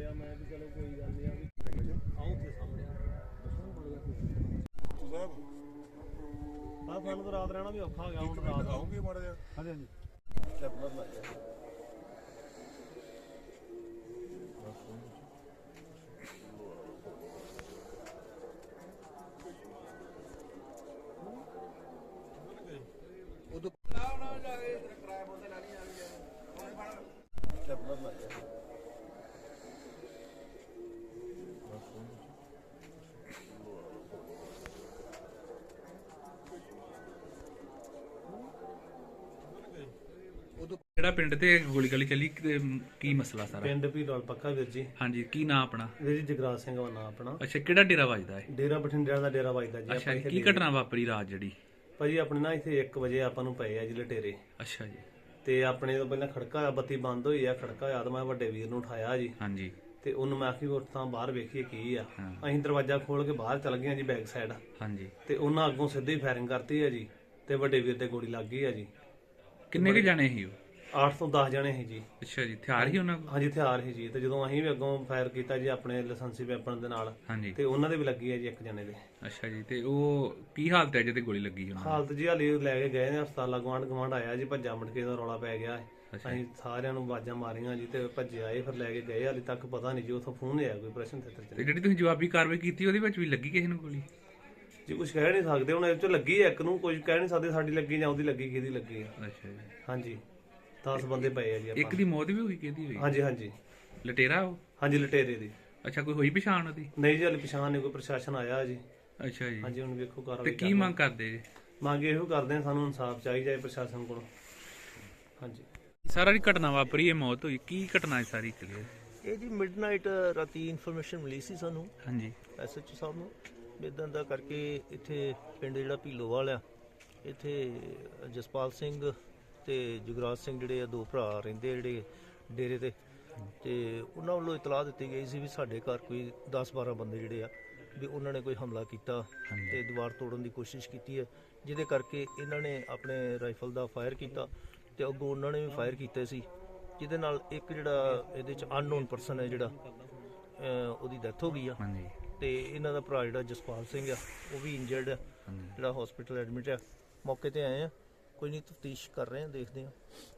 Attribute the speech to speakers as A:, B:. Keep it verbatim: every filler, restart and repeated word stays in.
A: ਆ ਮੈਂ ਵੀ ਚਲੋ ਕੋਈ ਗੱਲ ਨਹੀਂ ਆ ਵੀ ਆਉਂ ਤੇ ਸਾਹਮਣੇ
B: ਸਾਹਿਬ
A: ਆ ਸਾਨੂੰ ਤਾਂ ਰਾਤ ਰਹਿਣਾ ਵੀ ਔਖਾ ਹੋ ਗਿਆ ਹੁਣ ਰਾਤ
B: ਆਉਂਗੇ ਮਾੜਾ ਜਿਹਾ
A: ਹਾਂਜੀ ਹਾਂਜੀ
B: ਚੱਪਲ ਲਾ ਜਾ ਉਦੋਂ ਨਾ ਜਾ ਕੇ ਕਿਰਾਇਆ ਬੋਲਦੇ ਲਾਣੀ ਆ ਚੱਪਲ ਲਾ ਜਾ
C: ਜਿਹੜਾ ਪਿੰਡ ਤੇ ਗੋਲੀ ਗਲੀ ਚੱਲੀ ਕੀ ਮਸਲਾ ਸਾਰਾ?
A: ਪਿੰਡ ਭੀੜਵਾਲ ਪੱਕਾ ਵੀਰ ਜੀ।
C: ਹਾਂਜੀ, ਕੀ ਨਾਂ ਆਪਣਾ?
A: ਵੀਰ ਜੀ ਜਗਰਾਜ ਸਿੰਘ ਦਾ ਨਾਂ ਆਪਣਾ।
C: ਅੱਛਾ, ਕਿਹੜਾ ਡੇਰਾ ਵੱਜਦਾ ਹੈ?
A: ਡੇਰਾ ਬਠਿੰਡਿਆਂ ਦਾ ਡੇਰਾ ਵੱਜਦਾ ਜੀ।
C: ਅੱਛਾ, ਕੀ ਘਟਨਾ ਵਾਪਰੀ ਰਾਤ ਜਿਹੜੀ?
A: ਭਾਜੀ ਆਪਣੇ ਨਾ ਇੱਥੇ ਇੱਕ ਵਜੇ ਆਪਾਂ ਨੂੰ ਪਏ ਆ ਜੀ ਲਟੇਰੇ।
C: ਅੱਛਾ ਜੀ।
A: ਤੇ ਆਪਣੇ ਤੋਂ ਪਹਿਲਾਂ ਖੜਕਾ ਹੋਇਆ, ਬੱਤੀ ਬੰਦ ਹੋਈ ਆ, ਖੜਕਾ ਹੋਇਆ ਤਾਂ ਮੈਂ ਵੱਡੇ ਵੀਰ ਨੂੰ ਉਠਾਇਆ ਜੀ।
C: ਹਾਂਜੀ।
A: ਤੇ ਉਹਨੂੰ ਮੈਂ ਆਖੀ ਉੱਠ ਤਾਂ ਬਾਹਰ ਵੇਖੀਏ ਕੀ ਆ। ਅਸੀਂ ਦਰਵਾਜ਼ਾ ਖੋਲ ਕੇ ਬਾਹਰ ਚੱਲ ਗਏ ਜੀ ਬੈਕ ਸਾਈਡ।
C: ਹਾਂਜੀ।
A: ਤੇ ਉਹਨਾਂ ਅੱਗੋਂ ਸਿੱਧੀ ਫਾਇਰਿੰਗ ਕਰਤੀ ਆ ਜੀ ਤੇ ਵੱਡੇ ਵੀਰ ਤੇ ਗੋਲੀ ਲੱਗ ਗਈ ਆ ਜੀ।
C: ਕਿੰਨੇ ਕੁ ਜਾਣੇ ਸੀ ਉਹ?
A: ਅੱਠ ਤੋਂ ਦਸ ਜਣੇ ਸੀ ਜੀ।
C: ਅੱਛਾ ਜੀ, ਹਥਿਆਰ ਹੀ ਉਹਨਾਂ ਕੋਲ?
A: ਹਾਂਜੀ, ਹਥਿਆਰ ਸੀ ਜੀ। ਤੇ ਜਦੋਂ ਅਸੀਂ ਵੀ ਅੱਗੋਂ ਫਾਇਰ ਕੀਤਾ ਜੀ ਆਪਣੇ ਲਾਇਸੈਂਸੀ ਵੈਪਨ ਦੇ ਨਾਲ,
C: ਹਾਂਜੀ,
A: ਤੇ ਉਹਨਾਂ ਦੇ ਵੀ ਲੱਗੀ ਆ ਜੀ ਇੱਕ ਜਣੇ ਦੇ।
C: ਅੱਛਾ ਜੀ, ਤੇ ਉਹ ਕੀ ਹਾਲਤ ਹੈ ਜਿਹਦੇ ਗੋਲੀ ਲੱਗੀ ਉਹਨਾਂ?
A: ਹਾਲਤ ਜੀ ਹਾਲੀ ਲੈ ਕੇ ਗਏ ਨੇ ਹਸਪਤਾਲ। ਗਵਾਂਢ ਗਵਾਂਢ ਆਇਆ ਜੀ, ਭੱਜਾ ਮਟਕੇ ਦਾ ਰੌਲਾ ਪੈ ਗਿਆ। ਅਸੀਂ ਸਾਰਿਆਂ ਨੂੰ ਆਵਾਜ਼ਾਂ ਮਾਰੀਆਂ ਜੀ ਤੇ ਭੱਜੇ ਆਏ, ਫਿਰ ਲੈ ਕੇ ਗਏ। ਹਾਲੇ ਤੱਕ ਪਤਾ ਨਹੀਂ ਜੀ ਉੱਥੋਂ ਫੋਨ ਆਇਆ ਕੋਈ ਪ੍ਰਸ਼ਨ ਤੇ।
C: ਤੇ ਜਿਹੜੀ ਤੁਸੀਂ ਜਵਾਬੀ ਕਾਰਵਾਈ ਕੀਤੀ ਉਹਦੇ ਵਿੱਚ ਵੀ ਲੱਗੀ ਕਿਸੇ ਨੂੰ ਗੋਲੀ?
A: ਜੀ ਕੁਝ ਕਹਿ ਨਹੀਂ ਸਕਦੇ ਹੁਣ, ਇਹ ਚੋਂ ਲੱਗੀ ਇੱਕ ਨੂੰ, ਕੁਝ ਕਹਿ ਨਹੀਂ ਸਕਦੇ ਸਾਡੀ ਲੱਗੀ ਜਾਂ ਉਹਦੀ ਲੱਗੀ, ਕਿਹਦੀ ਲੱਗੀ ਆ।
C: ਅੱਛਾ ਜੀ।
A: ਹਾਂਜੀ, ਦਸ ਬੰਦੇ ਪਏ ਆ ਜੀ।
C: ਇੱਕ ਦੀ ਮੌਤ ਵੀ ਹੋਈ, ਕਿਹਦੀ ਹੋਈ?
A: ਹਾਂਜੀ ਹਾਂਜੀ,
C: ਲਟੇਰਾ ਉਹ?
A: ਹਾਂਜੀ ਲਟੇਰੇ ਦੀ।
C: ਅੱਛਾ, ਕੋਈ ਹੋਈ ਪਛਾਣ ਉਹਦੀ?
A: ਨਹੀਂ ਜੀ ਹਾਲੇ ਪਛਾਣ ਨਹੀਂ, ਕੋਈ ਪ੍ਰਸ਼ਾਸਨ ਆਇਆ ਜੀ।
C: ਅੱਛਾ ਜੀ।
A: ਹਾਂਜੀ, ਹੁਣ ਵੇਖੋ ਕਾਰਵਾਈ।
C: ਤੇ ਕੀ ਮੰਗ ਕਰਦੇ ਜੀ?
A: ਮੰਗ ਇਹੋ ਕਰਦੇ ਆ, ਸਾਨੂੰ ਇਨਸਾਫ ਚਾਹੀਦਾ ਹੈ ਪ੍ਰਸ਼ਾਸਨ ਕੋਲੋਂ। ਹਾਂਜੀ।
C: ਸਾਰਾ ਦੀ ਘਟਨਾ ਵਾਪਰੀ, ਇਹ ਮੌਤ ਹੋਈ, ਕੀ ਘਟਨਾ ਹੈ ਸਾਰੀ ਕਲੀਅਰ?
D: ਇਹ ਜੀ ਮਿਡਨਾਈਟ ਰਾਤੀ ਇਨਫੋਰਮੇਸ਼ਨ ਮਿਲੀ ਸੀ ਸਾਨੂੰ,
C: ਹਾਂਜੀ,
D: ਐਸਐਚਓ ਸਾਹਿਬ ਨੂੰ, ਇਦਾਂ ਦਾ ਕਰਕੇ ਇੱਥੇ ਪਿੰਡ ਜਿਹੜਾ ਭੀਲੋਵਾਲ ਆ, ਇੱਥੇ ਜਸਪਾਲ ਸਿੰਘ ਤੇ ਜੁਗਰਾਜ ਸਿੰਘ ਜਿਹੜੇ ਆ ਦੋ ਭਰਾ ਰਹਿੰਦੇ ਜਿਹੜੇ ਡੇਰੇ ਤੇ, ਤੇ ਉਹਨਾਂ ਵੱਲੋਂ ਇਤਲਾਹ ਦਿੱਤੀ ਗਈ ਸੀ ਵੀ ਸਾਡੇ ਘਰ ਕੋਈ ਦਸ ਬਾਰਾਂ ਬੰਦੇ ਜਿਹੜੇ ਆ ਵੀ ਉਹਨਾਂ ਨੇ ਕੋਈ ਹਮਲਾ ਕੀਤਾ ਤੇ ਦੀਵਾਰ ਤੋੜਨ ਦੀ ਕੋਸ਼ਿਸ਼ ਕੀਤੀ ਹੈ, ਜਿਹਦੇ ਕਰਕੇ ਇਹਨਾਂ ਨੇ ਆਪਣੇ ਰਾਈਫਲ ਦਾ ਫਾਇਰ ਕੀਤਾ ਤੇ ਅੱਗੋਂ ਉਹਨਾਂ ਨੇ ਵੀ ਫਾਇਰ ਕੀਤੇ ਸੀ, ਜਿਹਦੇ ਨਾਲ ਇੱਕ ਜਿਹੜਾ ਇਹਦੇ ਚ ਅਨਨੋਨ ਪਰਸਨ ਹੈ ਜਿਹੜਾ ਉਹਦੀ ਡੈਥ ਹੋ ਗਈ ਆ। ਤੇ ਇਹਨਾਂ ਦਾ ਭਰਾ ਜਿਹੜਾ ਜਸਪਾਲ ਸਿੰਘ ਆ ਉਹ ਵੀ ਇੰਜਰਡ ਆ, ਜਿਹੜਾ ਹਸਪੀਟਲ ਐਡਮਿਟ ਆ। ਮੌਕੇ ਤੇ ਆਏ ਆ, ਕੋਈ ਨਹੀਂ ਤਫਤੀਸ਼ ਕਰ ਰਹੇ ਆ, ਦੇਖਦੇ ਆ।